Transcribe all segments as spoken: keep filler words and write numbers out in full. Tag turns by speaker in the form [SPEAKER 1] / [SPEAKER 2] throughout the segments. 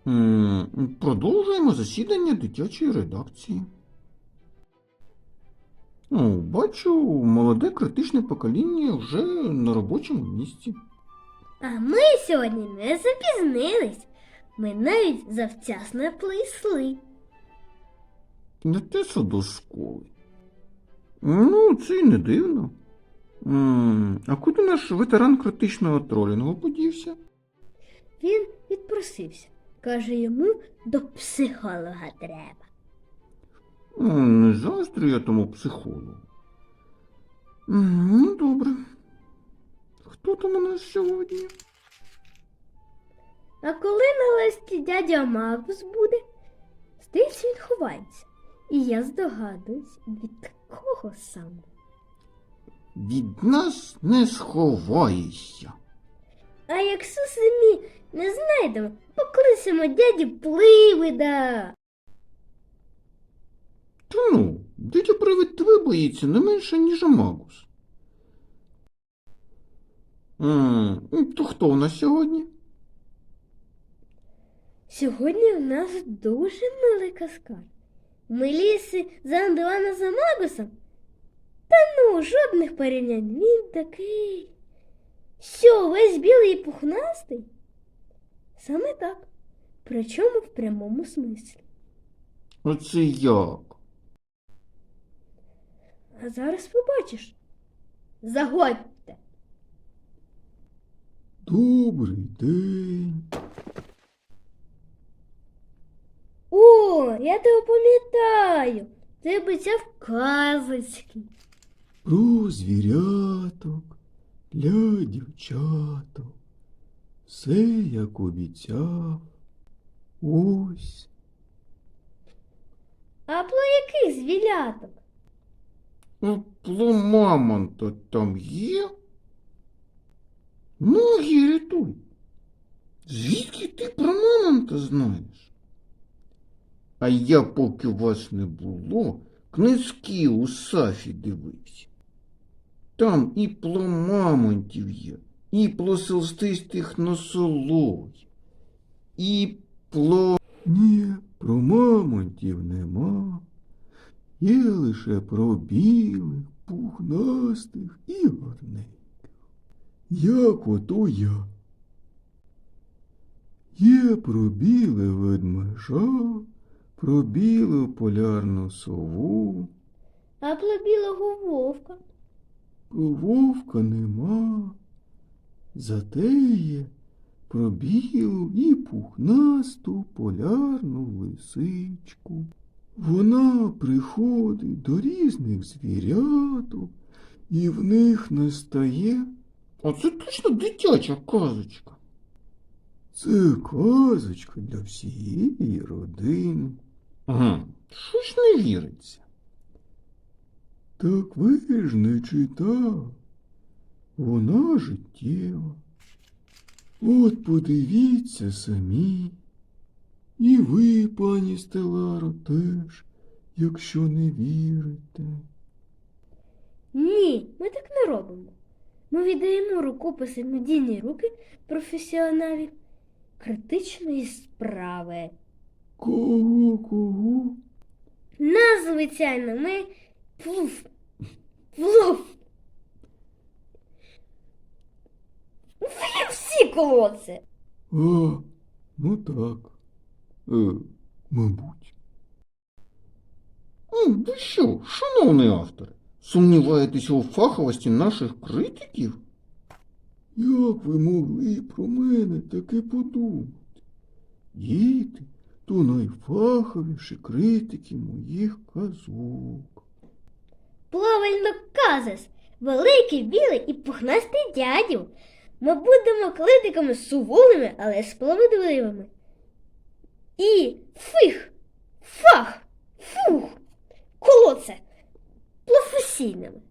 [SPEAKER 1] М, Продовжуємо засідання дитячої редакції. О, бачу, молоде критичне покоління вже на робочому місці.
[SPEAKER 2] А ми сьогодні не запізнились. Ми навіть завчасно прийшли.
[SPEAKER 1] Не те що до школи. Ну, це й не дивно. М, А куди наш ветеран критичного тролінгу подівся?
[SPEAKER 2] Він відпросився. Каже, йому до психолога треба.
[SPEAKER 1] М, Не заздрю я тому психологу. М, Ну, добре. Хто там у нас сьогодні?
[SPEAKER 2] А коли нарешті дядя Макс буде, здається, він ховається. І я здогадуюсь, від кого саме.
[SPEAKER 1] Від нас не сховаєшся.
[SPEAKER 2] А якщо самі не знайдемо, покличемо дяді Пливида.
[SPEAKER 1] Та ну, дитя привид тебе боїться не менше, ніж Магус. М, То хто у нас сьогодні?
[SPEAKER 2] Сьогодні у нас дуже милий каскад. Ми ліси за Андуана за Магусом. Та ну, жодних порівнянь. Він такий. Що, весь білий і пухнастий? Саме так. Причому в прямому смислі.
[SPEAKER 1] Оце як?
[SPEAKER 2] А зараз побачиш. Заходьте.
[SPEAKER 1] Добрий день.
[SPEAKER 2] О, я тебе пам'ятаю. Ти обіцяв казочки.
[SPEAKER 1] Про звіряток для дівчаток. Все як обіцяв. Ось.
[SPEAKER 2] А про яких звіляток?
[SPEAKER 1] А про мамонта там є? Ноги рятуй. Звідки ти про мамонта знаєш? А я, поки вас не було, книжки у Сафі дивився. Там і про мамонтів є, і про селстистих носоловів, і про... Ні, про мамонтів нема. Є лише про білих, пухнастих і гарненьких. Як ото я. Є про біле ведмежа, про білу полярну сову.
[SPEAKER 2] А про білого вовка?
[SPEAKER 1] Про вовка нема. Зате є про білу і пухнасту полярну лисичку. Вона приходить до різних звіряток і в них настає. А це точно дитяча казочка. Це казочка для всієї родини. Ага, щось не віриться. Так ви ж не читав. Вона життєва. От подивіться самі. І ви, пані Стеларо, теж, якщо не вірите.
[SPEAKER 2] Ні, ми так не робимо. Ми віддаємо рукописи в надійні руки професіоналів критичної справи.
[SPEAKER 1] Кого, кого?
[SPEAKER 2] Нас, звичайно, ми плуф, плуф. Ви всі колодці.
[SPEAKER 1] А, ну так. Е, мабуть. Ви що, шановний автор, сумніваєтесь у фаховості наших критиків? Як ви могли про мене таке подумати? Діти то найфаховіші критики моїх казок.
[SPEAKER 2] Правильно кажеш, великий, білий і пухнастий дядю. Ми будемо критиками суворими, але справедливими. І фих, фах, фух, колодце професійними.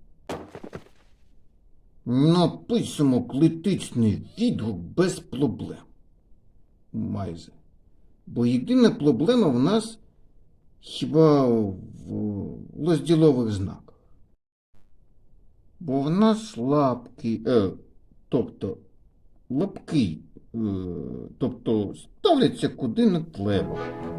[SPEAKER 1] Напишемо критичний відгук без проблем. Майже. Бо єдина проблема в нас хіба в розділових знаках. Бо в нас лапки, е, тобто лапки, е, тобто став валяться куди не треба.